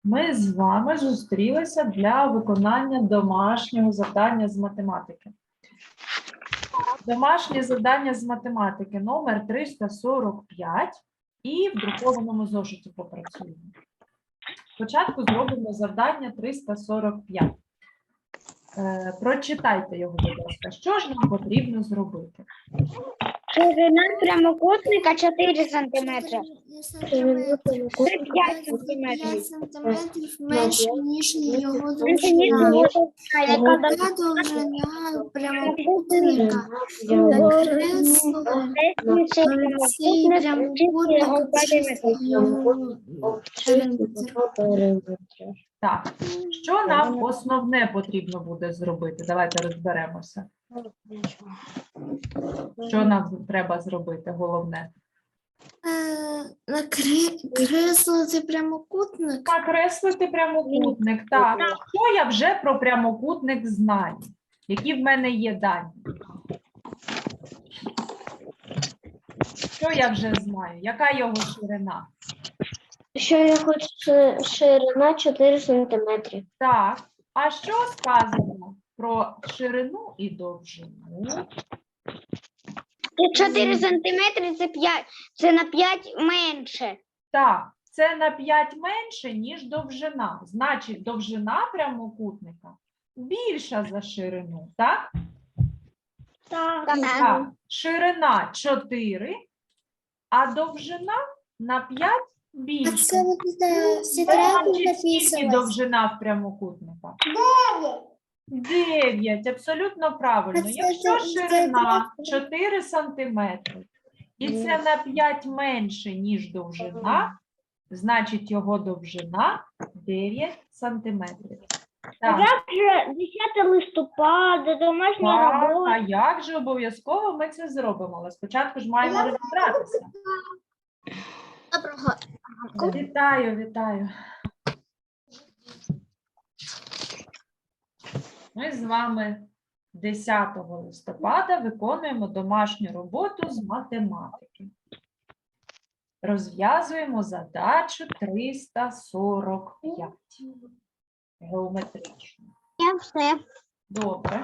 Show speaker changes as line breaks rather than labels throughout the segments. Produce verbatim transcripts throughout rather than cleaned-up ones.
Ми з вами зустрілися для виконання домашнього завдання з математики. Домашнє завдання з математики номер триста сорок п'ять і в друкованому зошиті попрацюємо. Спочатку зробимо завдання триста сорок п'ять. Е, прочитайте його, будь ласка. Що ж нам потрібно зробити?
Ширина прямокутника чотири сантиметри.
п'ять
сантиметрів.
сантиметрів менше, ніж його
Яка
довжина. Яка
довжина
довжина прямокутника? Накреслили цей прямокутник чисто його периметр.
Так, що нам основне потрібно буде зробити? Давайте розберемося. Що нам треба зробити, головне?
Е, Накреслити прямокутник.
Накреслити прямокутник. Так, що я вже про прямокутник знаю? Які в мене є дані? Що я вже знаю? Яка його ширина?
Що я хочу ширина чотири сантиметри.
Так, а що сказано про ширину і довжину?
чотири сантиметри це п'ять, це на п'ять менше.
Так, це на п'ять менше, ніж довжина. Значить, довжина прямокутника більша за ширину, так? Так, ширина чотири, а довжина на п'ять
А
більше.
це буде всі
Значить,
треба
скільки
записувати.
довжина в прямокутника? дев'ять, абсолютно правильно.
А це
Якщо
ж- це
ширина
треба-
чотири сантиметри, і це на п'ять менше, ніж довжина, значить його довжина дев'ять сантиметрів. Так,
Вже десяте листопада, домашня
так,
робота.
а як же обов'язково ми це зробимо? Але спочатку ж маємо розібратися.
Доброго.
Вітаю, вітаю. Ми з вами десятого листопада виконуємо домашню роботу з математики. Розв'язуємо задачу триста сорок п'ять. Геометричну.
Я все.
Добре.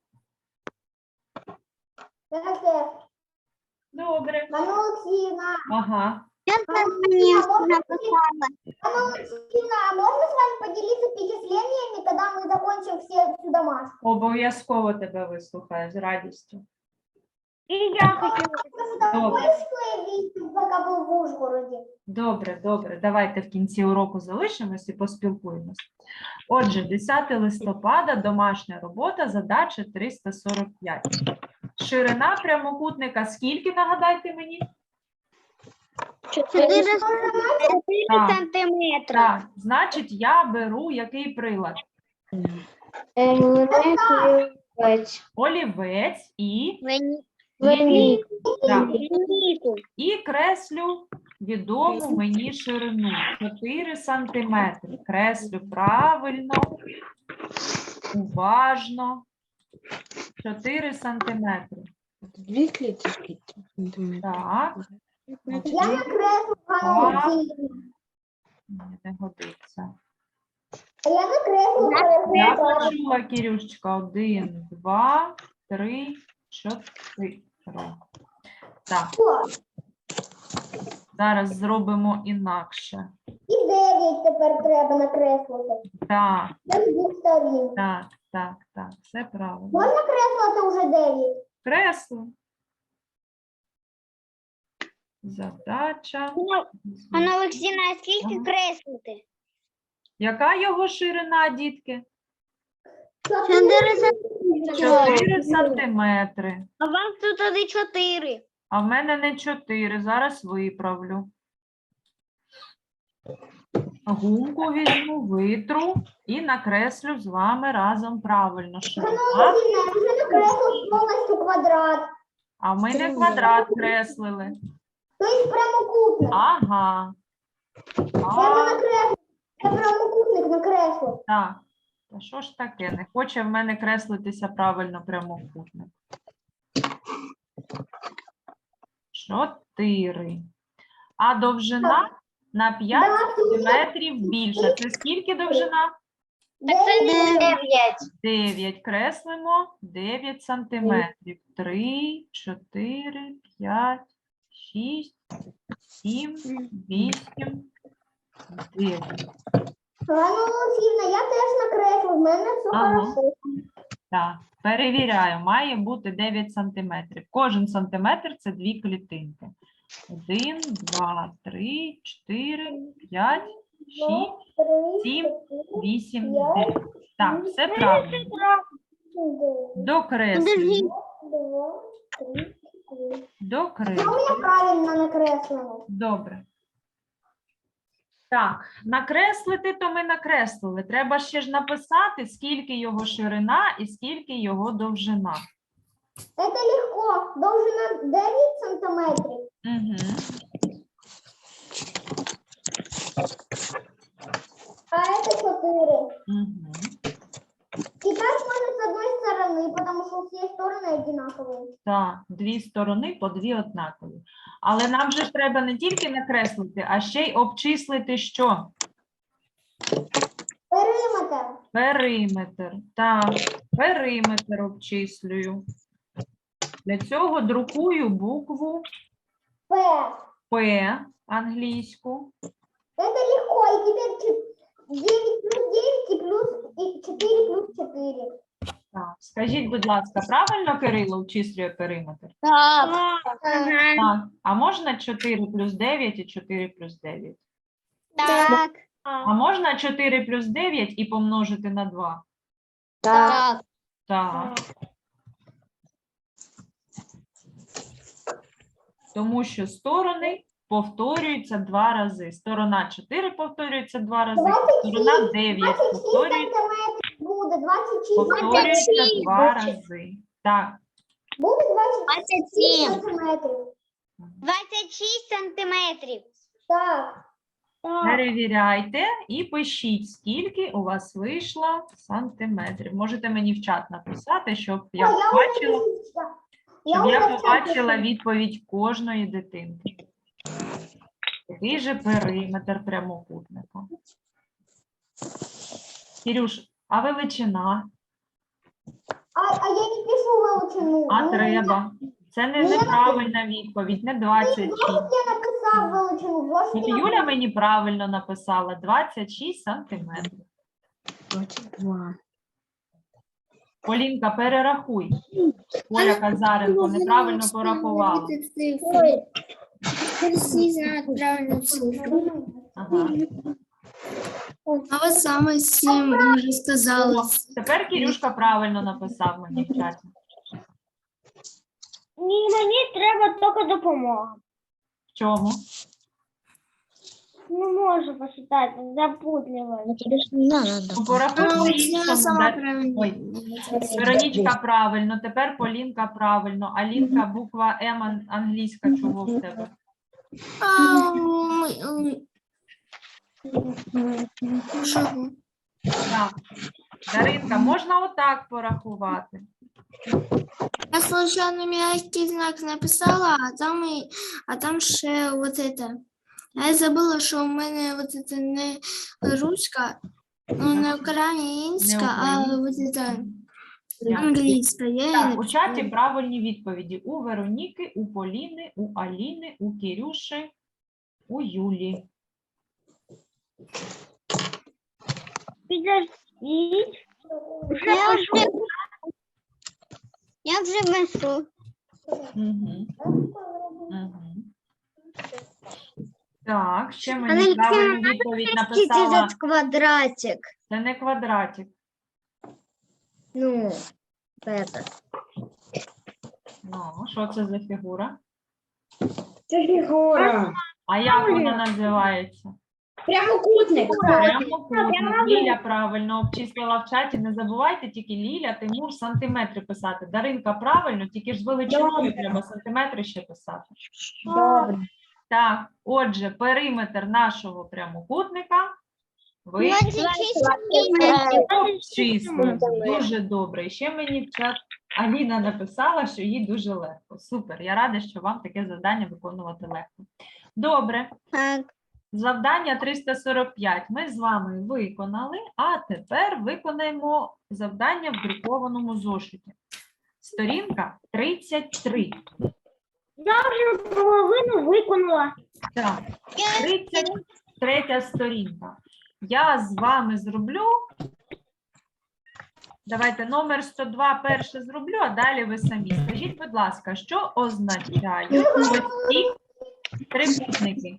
Добре.
Анна Олексіївна,
Ага.
Я написала.
Анна Олексіївна, а можно с вами поделиться впечатлениями, когда мы закончим все всю домашку?
Обов'язково тебе вислухаю з радістю.
І я хотіла.
Там
Добре.
больше видел, пока был в Ужгороде.
Добре, добре. Давайте в кінці уроку залишимось і поспілкуємось. Отже, десяте листопада, домашня робота, задача триста сорок п'ять. Ширина прямокутника скільки, нагадайте мені?
Чотири
Так.
сантиметри.
Так, значить, я беру який прилад? Олівець і, так, і креслю відому мені ширину. чотири сантиметри. Креслю правильно, уважно. чотири сантиметри.
Дві кліточки.
Так.
Я накреслила Анну
Так.
Олексіївна.
Ні, не годиться.
А я накреслила
Я
Олексіївна.
почула, Кірюшечка. Один, два, три, чотири. Так, зараз зробимо інакше.
І дев'ять тепер треба накреслити.
Так,
З двох сторін.
так, так, так, все правильно.
Можна креслити вже дев'ять?
Кресло. Задача.
Анна Олексійна, а скільки
Ага.
креслити?
Яка його ширина, дітки?
Чотири сантиметри.
чотири сантиметри.
А вам тут тоді чотири.
А в мене не чотири. Зараз виправлю. Гумку візьму, витру і накреслю з вами разом правильно
Анна
ширина.
Олексіївна, я вже накреслила повністю квадрат.
А ми не квадрат креслили.
Тобто прямокутник.
Ага.
Я
А,
накреслила. Я прямокутник накреслив.
так. Та що ж таке? Не хоче в мене креслитися правильно прямокутник. Чотири. А довжина на п'ять сантиметрів більша. Це скільки довжина?
дев'ять.
дев'ять. Креслимо дев'ять сантиметрів. три, чотири, п'ять, шість, сім, вісім, дев'ять.
Ганна Олексіївна, я теж накреслив, в мене все
Ага.
хорошо.
Так, перевіряю, має бути дев'ять сантиметрів. Кожен сантиметр – це дві клітинки. один, два, три, чотири, п'ять, шість, сім, вісім, дев'ять. Так, все правильно. Докреслюємо. Докреслюємо.
Я правильно накреслила.
Добре. Так, накреслити, то ми накреслили. Треба ще ж написати, скільки його ширина і скільки його довжина.
Это легко. Довжина дев'ять сантиметрів.
Угу.
А это четыре.
Угу.
И так можно с одной стороны, потому что все стороны одинаковые.
Так, дві сторони по дві однакові. Але нам же ж треба не тільки накреслити, а ще й обчислити що?
Периметр.
Периметр. Так, периметр обчислюю. Для цього друкую букву
П.
П англійську.
Это легко. И теперь чет- девять плюс девять и плюс и четыре плюс четыре.
Так, скажіть, будь ласка, правильно Кирило обчислює периметр?
Так.
Так. А можна чотири плюс дев'ять і чотири плюс дев'ять?
Так.
А можна чотири плюс дев'ять і помножити на два?
Так.
Так. Тому що сторони повторюються два рази. Сторона чотири повторюється два рази, сторона дев'ять
двадцать шесть
повторюється,
сантиметров будет. двадцать шесть
повторюється два рази. Так.
Будет двадцать
Двадцять
шесть
сім.
сантиметров.
Двадцять шість сантиметрів.
Так.
Перевіряйте і пишіть, скільки у вас вийшло сантиметрів. Можете мені в чат написати, щоб я
Ой, я
побачила,
уже пишу.
щоб
уже
я
в чат
побачила
пишу.
відповідь кожної дитинки. Який же периметр прямокутника? Кирюш, а величина?
А, а я не пишу величину.
А
Ну,
треба? Це не
Ну, я
неправильна відповідь, не двадцять шість.
Я написав величину. Зошит
От
я
Юля мені правильно написала двадцять шість сантиметрів.
двадцять два.
Полінка, перерахуй. Оля Казаренко неправильно порахувала.
Всі знають правильну цифру.
Ага.
А ви саме сім вже сказали.
О, тепер Кирюшка правильно написав мені в чаті.
Ні, мені треба тільки допомога.
В чому?
Не можу посчитати, запутливо.
Ну, порахуй
А,
по-іншому.
я сама
да.
правильно.
Ой. Веронічка правильно, тепер Полінка правильно. Алінка, буква М ан- англійська, чого в тебе?
А, ми- м, чого?
Так. Даринка, можна отак порахувати?
Я случайно мягкий знак написала, а там, і, а там ще вот это. Я забула, що у мене вот это не руська, ну, не українська, а вот это англійська. Я її
Так, у
написала.
чаті правильні відповіді. У Вероніки, у Поліни, у Аліни, у Кирюші, у Юлі.
Підождіть. Я вже, я вже весу.
Угу. Угу. Так, ще мені
Алексіївна,
правильну відповідь написала.
квадратик.
Це не квадратик.
Ну, это.
Ну, що це за фігура?
Це фігура.
А як вона називається?
Прямокутник.
Прямокутник. Ліля правильно обчислила в чаті. Не забувайте тільки Ліля, Тимур, сантиметри писати. Даринка правильно, тільки ж з величиною
Добре.
треба сантиметри ще писати.
Добре.
Так, отже, периметр нашого прямокутника ви
двадцять шість сантиметрів.
обчислили. Дуже добре. І ще мені в чат Аліна написала, що їй дуже легко. Супер. Я рада, що вам таке завдання виконувати легко. Добре.
Так.
Завдання триста сорок п'ять ми з вами виконали, а тепер виконаємо завдання в друкованому зошиті. Сторінка тридцять три.
Половину виконала.
Так, тридцять третя сторінка. Я з вами зроблю. Давайте номер сто два перше зроблю, а далі ви самі. Скажіть, будь ласка, що означають ось ці трикутники?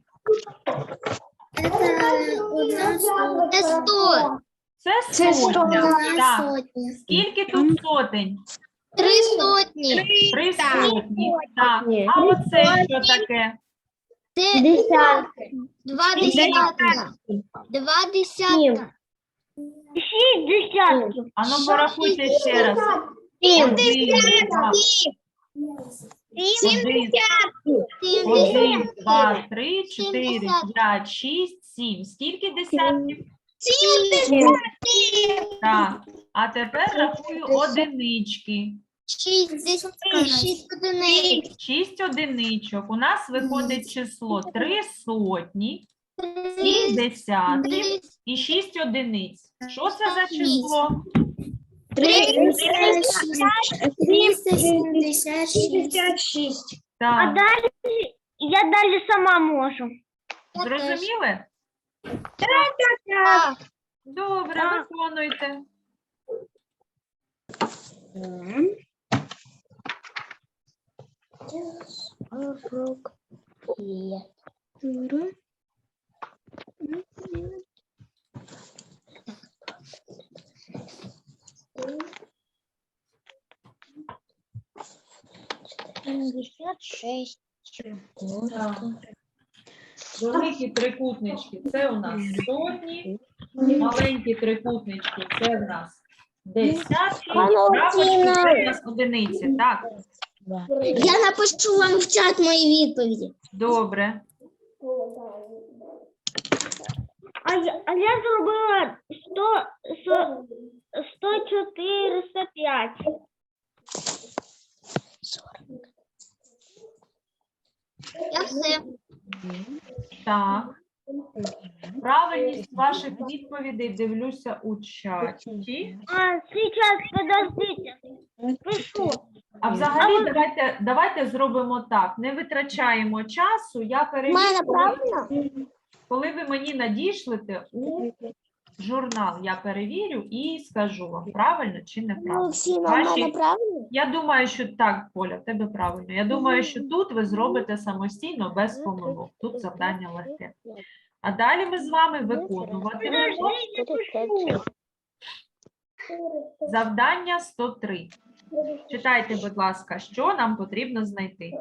Это одна сотня.
Це сто.
Це сотня. Так.
Сотня.
Скільки тут сотень?
Три сотні.
Три сотні. Так. А оце що таке?
Це
Десятки.
два десятка. Два десятка.
Шість десятків.
А ну порахуйте ще раз.
Сім.
Один, два,
Сім.
один,
Сім.
один, два, три, чотири, п'ять, шість, сім. Скільки десятків?
Сім.
Так. А тепер рахую одинички.
Шість. Шість одиниць.
Шість одиничок. У нас виходить число три сотні, сім десятків і шість одиниць. Що це за число?
триста сімдесят шість.
шість.
Так.
далі я далі сама можу.
Зрозуміли?
Так.
Добре,
Так.
виконуйте.
П'ятдесят шість.
Так. Великі трикутнички – це у нас сотні, маленькі трикутнички – це в нас десятки, крапочки – це в нас одиниці. Так,
Я напишу вам в чат мої відповіді.
добре.
А я, а я зробила сто, сто, сто чотириста п'ять.
Я все.
Так. Правильність ваших відповідей дивлюся у чаті.
А, сейчас, подождите. Пишу.
А взагалі давайте, давайте зробимо так. Не витрачаємо часу. Я перевірю, коли, коли ви мені надішлете у журнал. Я перевірю і скажу вам, правильно чи неправильно. Ваші-
правильно?
Я думаю, що так, Поля, в тебе правильно. Я думаю, що тут ви зробите самостійно, без помилок. Тут завдання легке. А далі ми з вами виконуватимемо завдання сто три. Читайте, будь ласка, що нам потрібно знайти.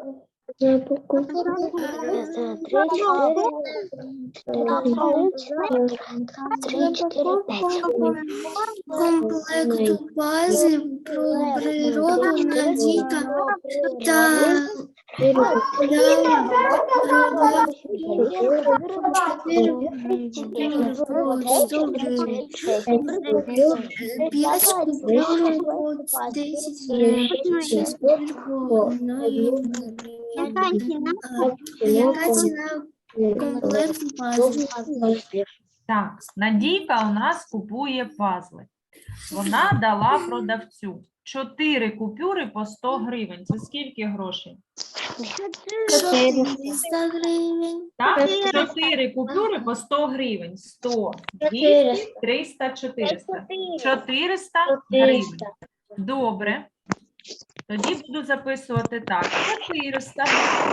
Комплекту бази про природу Надійка та п'ять купюр по десять гривень, шість купюр по одної гривні. Яка ціна комплекту бази?
Так, Надійка у нас купує пазли. Вона дала продавцю чотири купюри по сто гривень. Це скільки грошей?
чотириста гривень.
Так, чотири купюри по сто гривень. сто, двісті, триста, чотириста. чотириста гривень. Добре. Тоді буду записувати так. чотириста.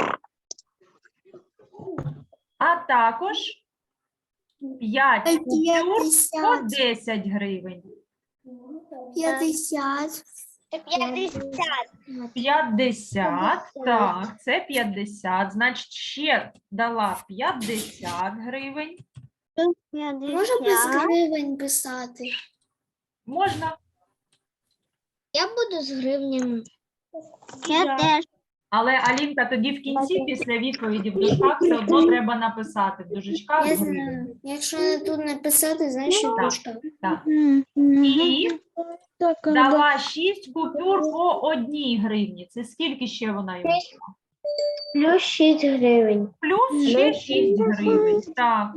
А також п'ять купюр по десять гривень.
п'ятдесят.
П'ятдесят.
п'ятдесят. Так, це п'ятдесят. Значить, ще дала п'ятдесят гривень.
Можна без гривень писати?
Можна.
Я буду з гривнями. Я теж.
Але, Алінка, тоді в кінці, після відповіді в дужках, все одно треба написати в дужечках
Я
гривень.
знаю. Якщо не тут написати, значить
Так.
дужка.
Так. І дала шість купюр по одній гривні. Це скільки ще вона йому?
Плюс шість гривень.
Плюс ще шість гривень. Так.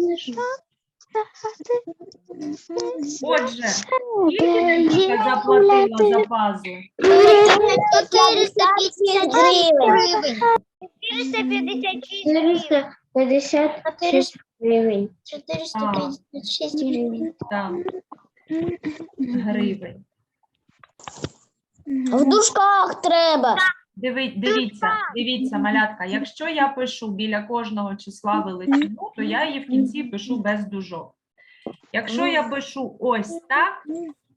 Отже, скільки Надійка заплатила за пазли?
четыреста пятьдесят гривень.
четыреста пятьдесят шесть
Чотириста п'ятдесят шість гривень.
четыреста пятьдесят шесть гривень.
Так. Гривень.
В дужках треба.
Диви, дивіться, дивіться, малятка, якщо я пишу біля кожного числа величину, то я її в кінці пишу без дужок. Якщо я пишу ось так,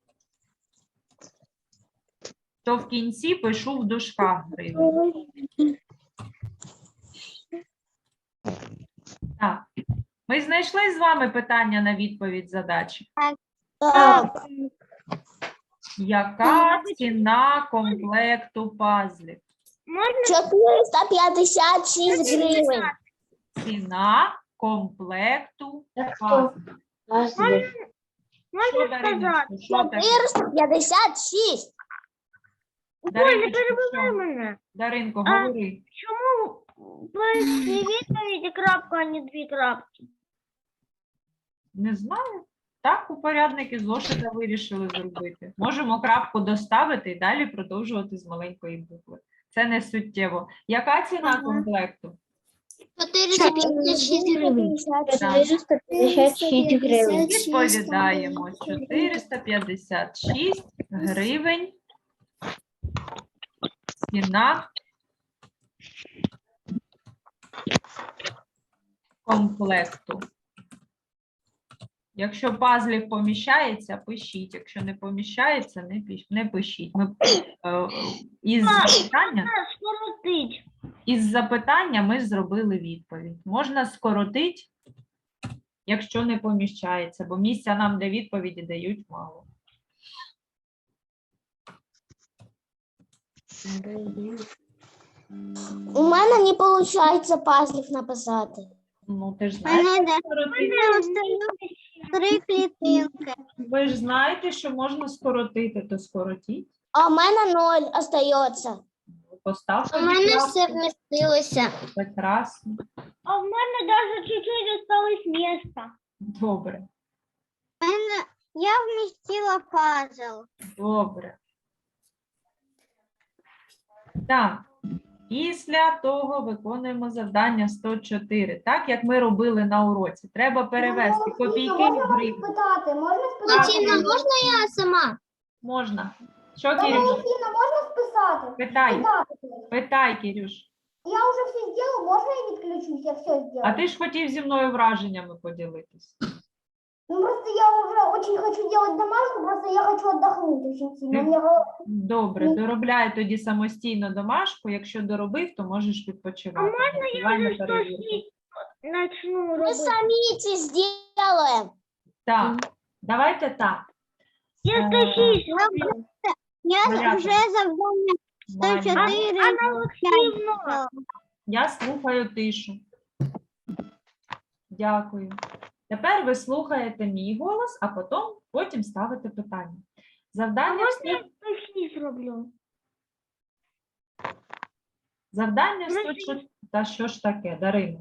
то в кінці пишу в дужках гривень. Так. Ми знайшли з вами питання на відповідь задачі.
Так.
Яка ціна комплекту пазлів?
четыреста пятьдесят шесть гривень.
Ціна комплекту пазлів.
Пазлів.
Що,
Можна
Дариночко,
сказати?
що таке?
четыреста пятьдесят шесть.
Оля,
Дариночко,
перебивай
що?
мене.
Даринко,
А.
говори.
Чому перші відповіді крапка, а не дві крапки?
Не знаю. Так упорядники зошита вирішили зробити. Можемо крапку доставити і далі продовжувати з маленької букви. Це не суттєво. Яка ціна комплекту?
четыреста пятьдесят шесть гривень.
Чотириста п'ятдесят шість гривень.
Відповідаємо. чотириста п'ятдесят шість гривень. Ціна комплекту. Якщо пазлів поміщається, пишіть. Якщо не поміщається, не пиш- не пишіть. Ми, е, із, запитання,
Скоротить.
із запитання ми зробили відповідь. Можна скоротити, якщо не поміщається, бо місця нам для відповіді дають мало.
У мене не виходить пазлів написати.
Ну, ти ж знаєш, що скоротити.
Три клітинки.
Ви ж знаєте, що можна скоротити, то скоротіть.
А у мене ноль остається.
Поставте
У мене
крапку.
все вмістилося.
Прекрасно.
А в мене даже чуть-чуть осталось места.
Добре.
Я вмістила пазл.
Добре. Так. Після того виконуємо завдання сто чотири. Так, як ми робили на уроці. Треба перевести копійки в
Можна
гривні.
спитати? Можна
Так,
спитати?
Тіна, можна я сама?
Можна. Що,
Баба
Кирюш?
Валентина, можна списати?
Питай.
Спитати.
Питай, Кирюш.
Я вже все зробила, можна я відключусь? Я все зробила.
А ти ж хотів зі мною враженнями поділитись.
Ну просто я уже очень хочу делать домашку, просто я хочу отдохнуть очень сильно. У меня голова-
Добре, доробляй тоді самостійно домашку. Якщо доробив, то можеш відпочивати.
А можна я
Давай на
вже
перевірку.
сто шість начну
Ми
робити?
самі це зробимо.
Так, давайте так.
Я сто шість роблю.
Я
Малята.
вже завдання
Маля,
Анна Олексіївна,
я слухаю тишу. Дякую. Тепер ви слухаєте мій голос, а потім, потім ставите питання. Завдання,
можна я
сто-
сто шість роблю?
завдання
Ну,
сто чотири. Та що ж таке, Дарино?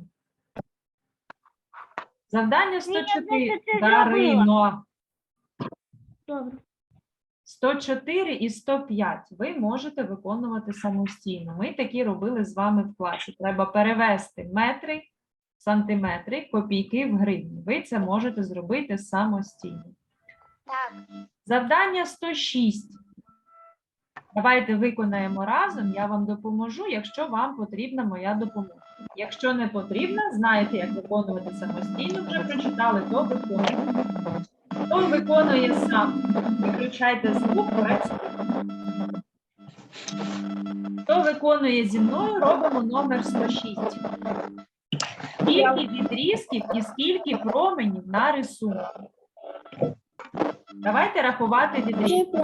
Завдання сто чотири.
я це
Дарино.
Добре.
сто чотири і сто п'ять ви можете виконувати самостійно. Ми такі робили з вами в класі. Треба перевести метри, сантиметри, копійки в гривні. Ви це можете зробити самостійно.
Так.
Завдання сто шість. Давайте виконаємо разом, я вам допоможу, якщо вам потрібна моя допомога. Якщо не потрібна, знаєте, як виконувати самостійно, вже прочитали, то виконуйте. Хто виконує сам? Виключайте звук, працюйте. Хто виконує зі мною, робимо номер сто шість. Скільки відрізків і скільки променів на рисунку? Давайте рахувати відрізки.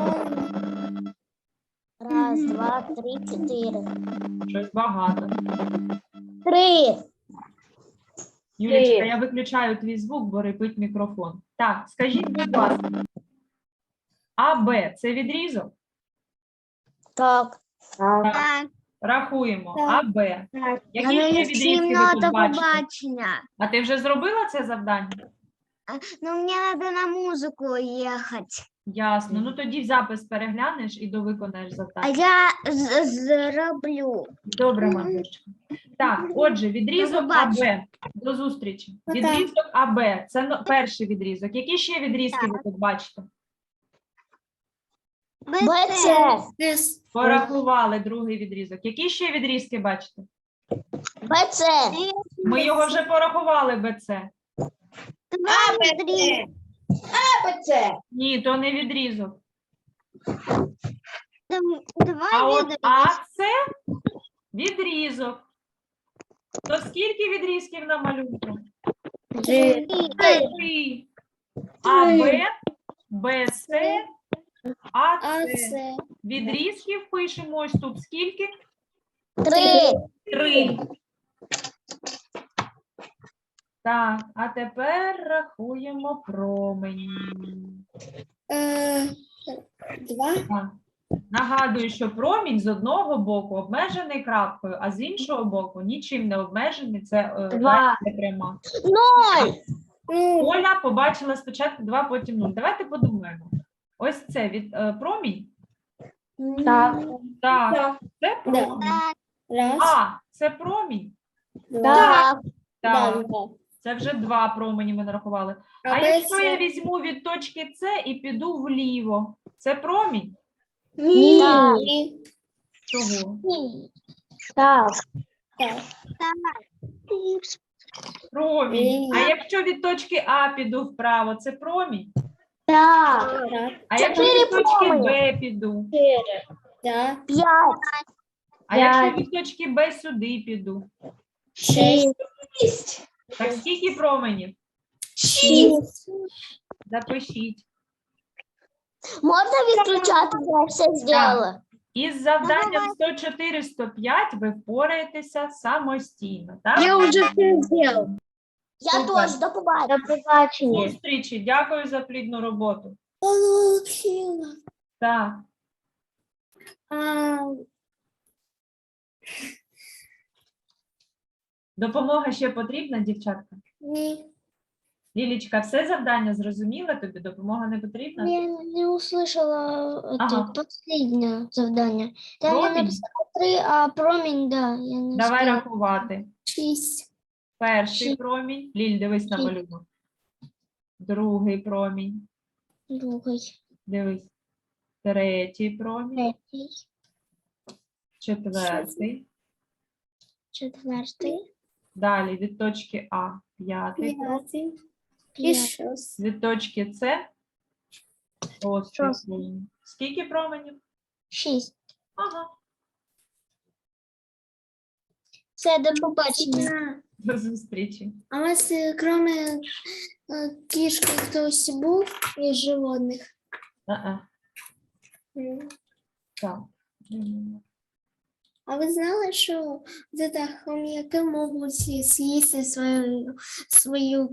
Раз, два, три, чотири.
Щось багато.
Три.
Юлічка, я виключаю твій звук, бо рипить мікрофон. Так, скажіть, будь ласка. А, Б – це відрізок?
Так.
Так.
Так.
Рахуємо.
Так.
А, Б. Які ще відрізки ви тут бачите?
побачення.
А ти вже зробила це завдання?
Ну, мені треба на музику їхати.
Ясно. Ну тоді запис переглянеш і довиконаєш
А
завдання.
я з- зроблю.
Добре, Марусечка. Так, отже, відрізок
До побачення.
АБ. До зустрічі.
Пока.
Відрізок АБ. Це ну, перший відрізок. Які ще відрізки ви тут бачите?
БЦ.
С.
Порахували другий відрізок. Які ще відрізки бачите?
БЦ.
Ми його вже порахували БЦ.
Два, три.
Ні, то не відрізок.
Два
А от
відрізки.
А це відрізок. То скільки відрізків на малюнку?
Три.
Три. А Б, Б, С, А,
А,
С.
С.
Відрізків пишемо ось тут скільки?
Три.
Три. Так, а тепер рахуємо промені.
Е, Два.
Так. Нагадую, що промінь з одного боку обмежений крапкою, а з іншого боку нічим не обмежений. Це е,
Два.
дальня пряма.
Ноль.
Ну,
Оля побачила спочатку два, потім нуль. Давайте подумаємо. Ось це від е, промінь.
Так.
Так,
Так.
це
Да.
промінь.
Раз.
А, це промінь.
Два.
Так.
Так,
Да.
це вже два промені ми нарахували. А
А
якщо
Б,
я
С.
візьму від точки С і піду вліво, це промінь?
Ні.
Так.
Ні.
Чого?
Так.
Так.
Промінь.
Ні.
А якщо від точки А піду вправо, це промінь?
Так.
Так.
А якщо
Чотири
від точки
промені.
Б піду?
Да.
П'ять.
А якщо
П'ять.
від точки Б сюди піду?
Шесть.
Так скільки променів?
Шесть.
Запишіть.
Можна відключати, я все зробила.
Із завданням сто чотири сто п'ять ви впораєтеся самостійно. Так?
вже все зробила. Я
Супер.
теж, до побачення. До побачення.
Зустрічі. Дякую за плідну роботу.
Получила.
Так.
А,
Допомога ще потрібна, дівчатка?
ні.
Лілічка, все завдання зрозуміла? Тобі допомога не потрібна?
Я не услышала
Ага.
это последнее задание. Там я
Промінь?
написала три, а промень, да, я не
Давай
успела.
рахувати.
Шість.
Перший
Шість.
промінь. Ліль, дивись на
Шість.
малюнок. Другий промінь.
Другий,
Дивись. Третій промінь.
третій,
Четвертий.
четвертий,
Далі від точки А. П'ятий.
П'ятий. І
п'ятий,
шість.
Від точки С. Шостий
Шостий.
промінь. Скільки променів?
шість.
Ага.
Все, до побачення.
До зустрічі.
А у вас, е, кроме е, кішки, хтось був із животних?
А-а.
М.
Так. М.
А ви знали, що це хом'яки можуть з'їсти свою, свою